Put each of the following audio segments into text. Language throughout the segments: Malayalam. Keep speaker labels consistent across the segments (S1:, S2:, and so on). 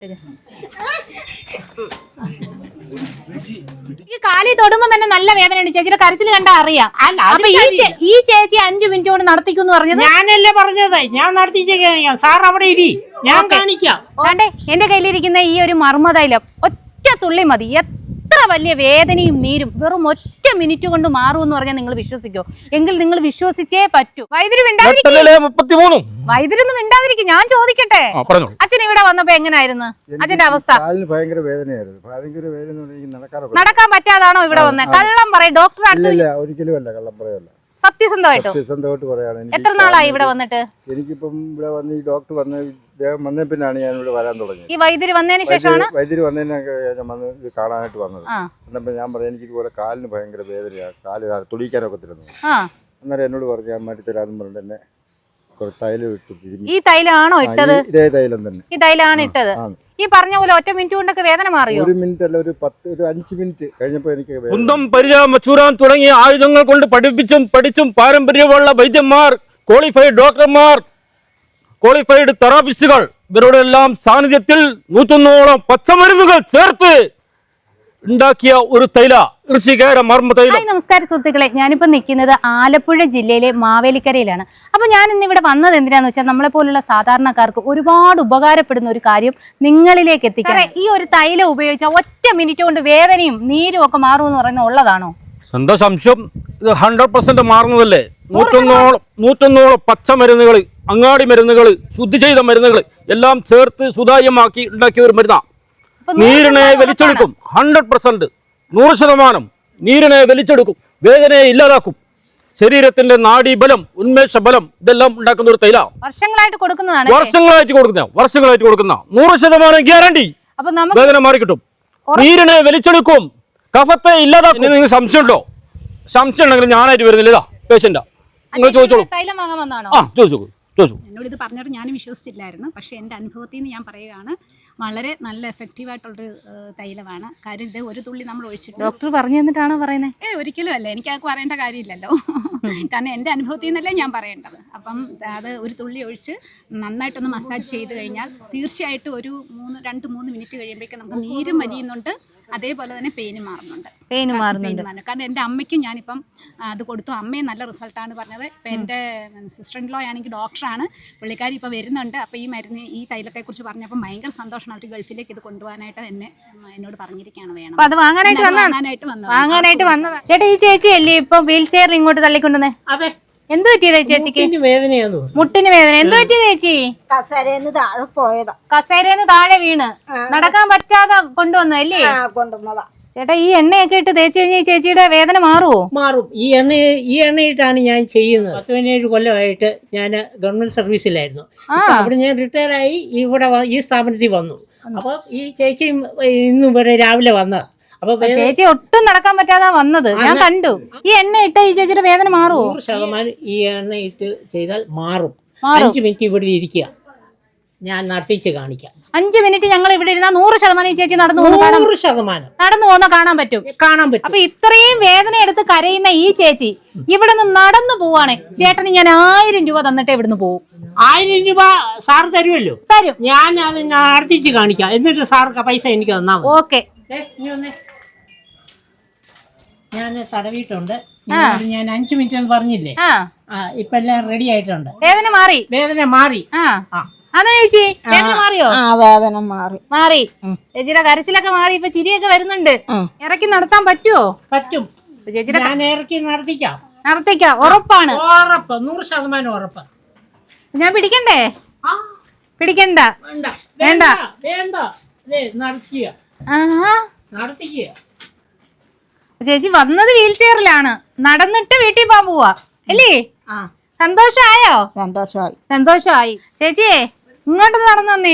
S1: ഈ കാലി തൊടുമ്പോ തന്നെ നല്ല വേദനയുണ്ട്. ചേച്ചിയുടെ കരച്ചിൽ കണ്ടാ അറിയാം. അപ്പൊ ഈ ചേച്ചി 5 മിനിറ്റ് കൊണ്ട് നടത്തിക്കുന്നു പറഞ്ഞത്
S2: ഞാനല്ലേ പറഞ്ഞത്, ഞാൻ നടത്തിച്ച സാർ അവിടെ ഇരി, ഞാൻ കാണിക്കാം.
S1: എന്റെ കയ്യിലിരിക്കുന്ന ഈ ഒരു മർമ്മതൈലം ഒറ്റ തുള്ളി മതി. എത്ര വലിയ വേദനയും നീരും വെറും ഒറ്റ മിനിറ്റ് കൊണ്ട് മാറുമെന്ന് പറഞ്ഞാൽ നിങ്ങൾ വിശ്വസിക്കോ? എങ്കിൽ നിങ്ങൾ വിശ്വസിച്ചേ പറ്റൂ. വൈദ്യുതി വൈദ്യുതി മിണ്ടാതിരിക്കും. ഞാൻ ചോദിക്കട്ടെ, അച്ഛൻ ഇവിടെ വന്നപ്പോ എങ്ങനായിരുന്നു അച്ഛന്റെ അവസ്ഥ?
S3: ഭയങ്കര വേദനയായിരുന്നു.
S1: നടക്കാൻ പറ്റാതാണോ ഇവിടെ വന്നത്? കള്ളം പറയും. ഡോക്ടർ
S3: ഒരിക്കലും അല്ല, കള്ളം പറയല്ല.
S1: സത്യസന്ധമായിട്ട് പറയാണ്. എത്ര നാളായി ഇവിടെ വന്നിട്ട്?
S3: എനിക്കിപ്പം ഇവിടെ വന്ന് ഈ ഡോക്ടർ വന്ന പിന്നാണ് ഞാൻ ഇവിടെ വരാൻ തുടങ്ങിയത്.
S1: ഈ വൈദ്യുതി വന്നതിന് ശേഷമാണ്
S3: വൈദ്യുതി വന്ന് കാണാനായിട്ട് വന്നത്. എന്നപ്പോ ഞാൻ പറയാം, എനിക്ക് ഇതുപോലെ കാലിന് ഭയങ്കര വേദനയാണ്, കാല് തുടിക്കാനൊക്കെ തരുന്നു. അന്നേരം എന്നോട് പറഞ്ഞു ഞാൻ മാറ്റി തരാമെന്ന് പറഞ്ഞിട്ട് എന്നെ തൈലം ഇട്ടു.
S1: ഈ തൈലാണോ ഇട്ടത്?
S3: ഇതേ തൈലം തന്നെ.
S1: ഈ തൈലാണ് ഇട്ടത്. ഈ പറഞ്ഞ പോലെ ഒറ്റ മിനിറ്റ് കൊണ്ടൊക്കെ വേദന മാറിയോ?
S3: 1 മിനിറ്റ് അല്ല, ഒരു 5 മിനിറ്റ് കഴിഞ്ഞപ്പോ എനിക്ക്
S4: കുന്തം പരിചയം ചൂരാൻ തുടങ്ങിയ ആയുധങ്ങൾ കൊണ്ട് പഠിച്ചും പാരമ്പര്യമുള്ള വൈദ്യന്മാർ, ക്വാളിഫൈഡ് ഡോക്ടർമാർ, ക്വാളിഫൈഡ് തെറാപ്പിസ്റ്റുകൾ, ഇവരുടെ എല്ലാം സാന്നിധ്യത്തിൽ 101ഓളം പച്ചമരുന്നുകൾ ചേർത്ത് ഉണ്ടാക്കിയ ഒരു തൈല ഋഷികേര മർമ്മ തൈലം.
S1: നമസ്കാരം സുഹൃത്തുക്കളെ, ഞാനിപ്പോ നിൽക്കുന്നത് ആലപ്പുഴ ജില്ലയിലെ മാവേലിക്കരയിലാണ്. അപ്പൊ ഞാൻ ഇന്നിവിടെ വന്നത് എന്തിനാന്ന് വെച്ചാൽ നമ്മളെ പോലുള്ള സാധാരണക്കാർക്ക് ഒരുപാട് ഉപകാരപ്പെടുന്ന ഒരു കാര്യം നിങ്ങളിലേക്ക് എത്തിക്കാൻ. ഈ ഒരു തൈലം ഉപയോഗിച്ചാൽ ഒറ്റ മിനിറ്റ് കൊണ്ട് വേദനയും നീരും ഒക്കെ മാറുമെന്ന് പറയുന്നത് ഉള്ളതാണോ?
S4: എന്താ സംശയം? ഇത് 100% മാറുന്നതല്ലേ. 101ഓളം പച്ചമരുന്നുകൾ, അങ്ങാടി മരുന്നുകൾ, ശുദ്ധി ചെയ്ത മരുന്നുകൾ എല്ലാം ചേർത്ത് സുതാര്യമാക്കി ഉണ്ടാക്കിയ ഒരു മരുന്നാ. നീരിനെ വലിച്ചെടുക്കും. 100%, 100% നീരിനെ വലിച്ചെടുക്കും, വേദനയെ ഇല്ലാതാക്കും, ശരീരത്തിന്റെ നാഡീബലം, ഉന്മേഷബലം ഇതെല്ലാം ഉണ്ടാക്കുന്ന ഒരു തൈല. വർഷങ്ങളായിട്ട് കൊടുക്കുന്ന 100% ഗ്യാരണ്ടി. വേദന മാറിക്കിട്ടും, നീരിനെ വലിച്ചെടുക്കും, കഫത്തെ ഇല്ലാതാക്കും. നിങ്ങൾക്ക് സംശയമുണ്ടോ? സംശയം ഉണ്ടെങ്കിൽ ഞാനായിട്ട് വരുന്നില്ല, ഇതാ പേഷ്യന്റാ, നിങ്ങൾ ചോദിച്ചോളൂ. ചോദിച്ചോളൂ.
S5: എന്നോട് ഇത് പറഞ്ഞിട്ട് ഞാൻ വിശ്വസിച്ചില്ലായിരുന്നു. പക്ഷേ എൻ്റെ അനുഭവത്തിൽ നിന്ന് ഞാൻ പറയുകയാണ്, വളരെ നല്ല എഫക്റ്റീവായിട്ടുള്ളൊരു തൈലമാണ്. കാര്യം ഇത് ഒരു തുള്ളി നമ്മൾ ഒഴിച്ചിട്ട്.
S1: ഡോക്ടർ പറഞ്ഞു തന്നിട്ടാണോ പറയുന്നത്?
S5: ഒരിക്കലും അല്ല, എനിക്കത് പറയേണ്ട കാര്യമില്ലല്ലോ. കാരണം എൻ്റെ അനുഭവത്തിൽ നിന്നല്ലേ ഞാൻ പറയേണ്ടത്. അപ്പം അത് ഒരു തുള്ളി ഒഴിച്ച് നന്നായിട്ടൊന്ന് മസാജ് ചെയ്ത് കഴിഞ്ഞാൽ തീർച്ചയായിട്ടും ഒരു 2-3 മിനിറ്റ് കഴിയുമ്പോഴേക്കും നമുക്ക് നീരും വലിയുന്നുണ്ട്, അതേപോലെ തന്നെ പെയിന് മാറുന്നുണ്ട്. കാരണം എൻ്റെ അമ്മയ്ക്കും ഞാനിപ്പം അത് കൊടുത്തു. അമ്മയും നല്ല റിസൾട്ടാണ് പറഞ്ഞത്. ഇപ്പം എൻ്റെ സിസ്റ്റർ ഇൻ ലോ ആണെങ്കിൽ ഡോക്ടറാണ്, പുള്ളിക്കാരി ഇപ്പോൾ വരുന്നുണ്ട്. അപ്പോൾ ഈ മരുന്ന്, ഈ തൈലത്തെക്കുറിച്ച് പറഞ്ഞപ്പോൾ ഭയങ്കര സന്തോഷമാണ്. അവർ ഗൾഫിലേക്ക് ഇത് കൊണ്ടുപോകാനായിട്ട് എന്നോട് പറഞ്ഞിരിക്കുകയാണ്. വേണം അത്
S1: വാങ്ങാനായിട്ട് വന്നതാ. ചേട്ടാ, ഈ ചേച്ചി അല്ലേ ഇപ്പൊ വീൽ ചെയറിൽ ഇങ്ങോട്ട് തള്ളിക്കൊണ്ടുവന്നേ?
S2: അതെ.
S1: എന്ത് പറ്റിയതാ ചേച്ചിക്ക്? മുട്ടിന് വേദന. എന്ത് പറ്റിയ ചേച്ചി? കസേരന്ന് താഴെ വീണ് നടക്കാൻ പറ്റാതെ കൊണ്ടുവന്നല്ലേ?
S6: കൊണ്ടുവന്നതാ
S1: ചേട്ടാ. ഈ എണ്ണയൊക്കെ ഇട്ട് തേച്ച് കഴിഞ്ഞാൽ ചേച്ചിയുടെ വേദന മാറുമോ?
S2: മാറും. ഈ എണ്ണയിട്ടാണ് ഞാൻ ചെയ്യുന്നത്. 17 കൊല്ലമായിട്ട് ഞാൻ ഗവൺമെന്റ് സർവീസിലായിരുന്നു. അവിടെ ഞാൻ റിട്ടയർഡായി ഇവിടെ ഈ സ്ഥാപനത്തിൽ വന്നു. അപ്പൊ ഈ ചേച്ചിയും ഇന്നും ഇവിടെ രാവിലെ വന്നത്. അപ്പൊ
S1: ചേച്ചി ഒട്ടും നടക്കാൻ പറ്റാതെ വന്നത് ഞാൻ കണ്ടു. ഈ എണ്ണ ഇട്ട ഈ ചേച്ചിയുടെ വേദന മാറുമോ?
S2: 100% ഈ എണ്ണ ഇട്ട് ചെയ്താൽ മാറും. 5 മിനിറ്റ് ഇവിടെ ഇരിക്കുക, ഞാൻ നടത്തിച്ച് കാണിക്കാം.
S1: 5 മിനിറ്റ് ഞങ്ങൾ ഇവിടെ ഇരുന്നാൽ 100% ഈ ചേച്ചി നടന്നു പോകുന്ന കാണാൻ പറ്റും. അപ്പൊ ഇത്രയും വേദന എടുത്ത് കരയുന്ന ഈ ചേച്ചി ഇവിടെ നിന്ന് നടന്നു പോവാണ്. ചേട്ടന് ഞാൻ 1000 രൂപ തന്നിട്ട് ഇവിടുന്ന് പോകും.
S2: 1000 രൂപ സാർ തരുമല്ലോ?
S1: തരും.
S2: ഞാൻ അത് നടത്തിച്ച് കാണിക്കാം, എന്നിട്ട് സാർക്ക് പൈസ എനിക്ക് തന്നാ മതി.
S1: ഓക്കെ.
S2: ഞാൻ തടവിയിട്ടുണ്ട്. ഞാൻ 5 മിനിറ്റ് എന്ന് പറഞ്ഞില്ലേ? ഇപ്പൊ എല്ലാം റെഡി ആയിട്ടുണ്ട്.
S1: വേദന മാറി. ചേച്ചി വേദന മാറിയോ?
S6: വേദന മാറി.
S1: ചേച്ചിയുടെ കരച്ചിലൊക്കെ മാറി, ഇപ്പൊ ചിരിയൊക്കെ വരുന്നുണ്ട്. ഇറക്കി നടത്താൻ പറ്റുമോ?
S2: പറ്റും. ചേച്ചിയുടെ ഞാൻ ഇറക്കി
S1: നടത്തിക്കാം. ഉറപ്പാണ്?
S2: 100% ഉറപ്പ്.
S1: ഞാൻ പിടിക്കണ്ടേ? പിടിക്കണ്ട. വേണ്ട.
S2: നടത്തിക്കുക.
S1: ചേച്ചി വന്നത് വീൽ ചെയറിലാണ്, നടന്നിട്ട് വീട്ടിൽ പോവാ അല്ലേ? സന്തോഷായോ? സന്തോഷമായി. ചേച്ചിയെ ഇങ്ങോട്ട് നടന്നു വന്നേ.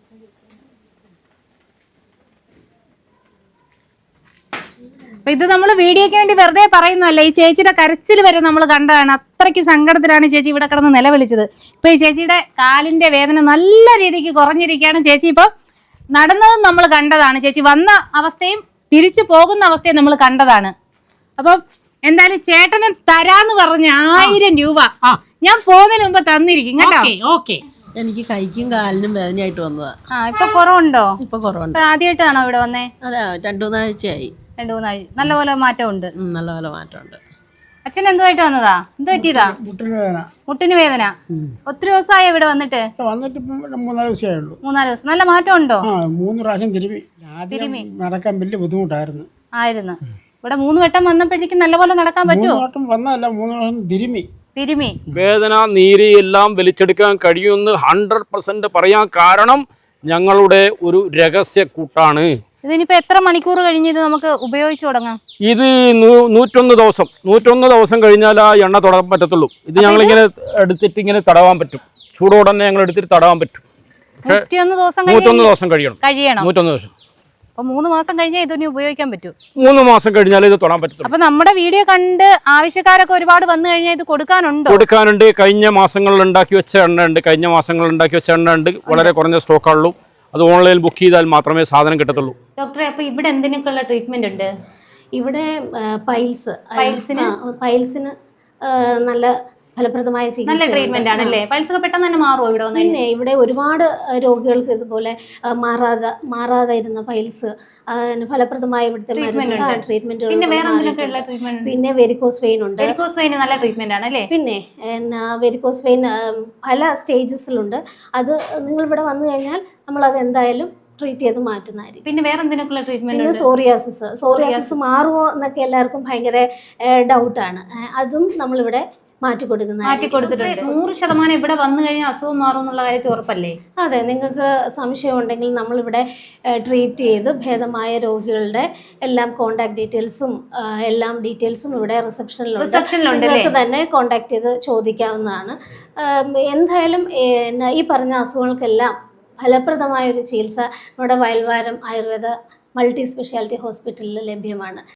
S1: അപ്പൊ ഇത് നമ്മൾ വീഡിയോയ്ക്ക് വേണ്ടി വെറുതെ പറയുന്നതല്ല. ഈ ചേച്ചിയുടെ കരച്ചിൽ വരെ നമ്മൾ കണ്ടതാണ്. അത്രയ്ക്ക് സങ്കടത്തിലാണ് ചേച്ചി ഇവിടെ കിടന്ന് നിലവിളിച്ചത്. ഇപ്പൊ ഈ ചേച്ചിയുടെ കാലിന്റെ വേദന നല്ല രീതിക്ക് കുറഞ്ഞിരിക്കുകയാണ്. ചേച്ചി ഇപ്പൊ നടന്നതും നമ്മൾ കണ്ടതാണ്. ചേച്ചി വന്ന അവസ്ഥയും തിരിച്ചു പോകുന്ന അവസ്ഥയും നമ്മൾ കണ്ടതാണ്. അപ്പം എന്തായാലും ചേട്ടന് തരാന്ന് പറഞ്ഞ 1000 രൂപ ഞാൻ പോകുന്നതിന് മുമ്പ് തന്നിരിക്കും കേട്ടോ.
S7: എനിക്ക് കൈക്കും കാലിനും വേദനയായിട്ട് വന്നതാ.
S1: ഇപ്പൊ കുറവുണ്ടോ?
S7: ഇപ്പൊ കുറവുണ്ട്.
S1: ആദ്യമായിട്ടാണോ ഇവിടെ വന്നേ?
S7: അല്ല, 2-3 ആഴ്ചയായി.
S1: 2-3 ആഴ്ച. നല്ലപോലെ മാറ്റമുണ്ട്.
S7: നല്ലപോലെ മാറ്റമുണ്ട്.
S1: അച്ഛൻ എന്തുമായിട്ട് വന്നതാ? എന്ത് പറ്റിയതാ? മുട്ടിന് വേദന. ഒത്തിരി ദിവസമായി ഇവിടെ വന്നിട്ട്?
S8: വന്നിട്ട് 3-4 ദിവസമേ ഉള്ളൂ.
S1: 3-4 ദിവസം. നല്ല മാറ്റം ഉണ്ടോ?
S8: 3 പ്രാവശ്യം ആദ്യം നടക്കാൻ വലിയ ബുദ്ധിമുട്ടായിരുന്നു.
S1: ഇവിടെ 3 വട്ടം വന്നപ്പോഴേക്കും നല്ലപോലെ നടക്കാൻ പറ്റുമോ?
S8: 3 വട്ടം വന്നതല്ല, 3 പ്രാവശ്യം തിരുമി.
S4: വേദന, നീര് എല്ലാം വലിച്ചെടുക്കാൻ കഴിയുമെന്ന് 100% പറയാൻ കാരണം ഞങ്ങളുടെ ഒരു രഹസ്യ കൂട്ടാണ്.
S1: ഇതിനിപ്പോ എത്ര മണിക്കൂർ കഴിഞ്ഞ് ഇത് നമുക്ക് ഉപയോഗിച്ചു തുടങ്ങാം?
S4: ഇത് 101 ദിവസം കഴിഞ്ഞാൽ ആ എണ്ണ തൊടാൻ പറ്റത്തുള്ളൂ. ഇത് ഞങ്ങളിങ്ങനെ എടുത്തിട്ട് ഇങ്ങനെ തടവാൻ പറ്റും. ചൂടോടെ തന്നെ ഞങ്ങൾ എടുത്തിട്ട് തടവാൻ പറ്റും.
S1: 101 ദിവസം
S4: 101 ദിവസം കഴിയണം.
S1: 101
S4: ദിവസം.
S1: അപ്പൊ 3 മാസം കഴിഞ്ഞാൽ ഇതിന് ഉപയോഗിക്കാൻ പറ്റൂ.
S4: 3 മാസം കഴിഞ്ഞാൽ ഇത് തൊടാൻ പറ്റും.
S1: അപ്പൊ നമ്മുടെ വീഡിയോ കണ്ട് ആവശ്യക്കാരൊക്കെ ഒരുപാട് വന്നു കഴിഞ്ഞാൽ ഇത് കൊടുക്കാനുണ്ടോ?
S4: കൊടുക്കാനുണ്ട്. കഴിഞ്ഞ മാസങ്ങളിൽ ഉണ്ടാക്കി വെച്ച എണ്ണ ഉണ്ട്. വളരെ കുറഞ്ഞ സ്റ്റോക്കുള്ളൂ. അത് ഓൺലൈനിൽ ബുക്ക് ചെയ്താൽ മാത്രമേ സാധനം കിട്ടത്തുള്ളൂ.
S1: ഡോക്ടറെ, അപ്പൊ ഇവിടെ എന്തിനൊക്കെയുള്ള ട്രീറ്റ്മെന്റ് ഉണ്ട്?
S9: ഇവിടെ പൈൽസിന് നല്ല ഫലപ്രദമായ
S1: നല്ല ട്രീറ്റ്മെന്റ് ആണല്ലേ? പൈൽസ് ഒക്കെ പെട്ടെന്ന് തന്നെ മാറുമോ ഇവിടെ വന്ന്?
S9: പിന്നെ ഇവിടെ ഒരുപാട് രോഗികൾക്ക് ഇതുപോലെ മാറാതെ ഇരുന്ന പൈൽസ് ഫലപ്രദമായ ഇവിടുത്തെ ട്രീറ്റ്മെന്റുകൾ. പിന്നെ വെരിക്കോസ് വെയിൻ ഉണ്ട്.
S1: വെരിക്കോസ് വെയിൻ നല്ല ട്രീറ്റ്മെന്റ് ആണല്ലേ?
S9: പിന്നെ വെരിക്കോസ് വെയിൻ പല സ്റ്റേജസിലുണ്ട്. അത് നിങ്ങൾ ഇവിടെ വന്നു കഴിഞ്ഞാൽ നമ്മളത് എന്തായാലും ട്രീറ്റ് ചെയ്ത് മാറ്റുന്നതായിരിക്കും.
S1: പിന്നെ വേറെ എന്തിനൊക്കെയുള്ള ട്രീറ്റ്മെന്റ്?
S9: പിന്നെ സോറിയാസിസ് മാറുമോ എന്നൊക്കെ എല്ലാവർക്കും ഭയങ്കര ഡൗട്ടാണ്. അതും നമ്മളിവിടെ മാറ്റി കൊടുത്തിട്ടുണ്ട്.
S1: 100% ഇവിടെ വന്നു കഴിഞ്ഞാൽ അസുഖം മാറും എന്നുള്ള കാര്യത്തിൽ ഉറപ്പല്ലേ?
S9: അതെ, നിങ്ങൾക്ക് സംശയം ഉണ്ടെങ്കിൽ നമ്മളിവിടെ ട്രീറ്റ് ചെയ്ത് ഭേദമായ രോഗികളുടെ എല്ലാം കോണ്ടാക്ട് ഡീറ്റെയിൽസും എല്ലാം ഡീറ്റെയിൽസും ഇവിടെ റിസപ്ഷനിലുണ്ട്. നിങ്ങൾക്ക് തന്നെ കോണ്ടാക്ട് ചെയ്ത് ചോദിക്കാവുന്നതാണ്. എന്തായാലും ഈ പറഞ്ഞ അസുഖങ്ങൾക്കെല്ലാം ഫലപ്രദമായ ഒരു ചികിത്സ നമ്മുടെ വയൽവാരം ആയുർവേദ മൾട്ടി സ്പെഷ്യാലിറ്റി ഹോസ്പിറ്റലിൽ ലഭ്യമാണ്.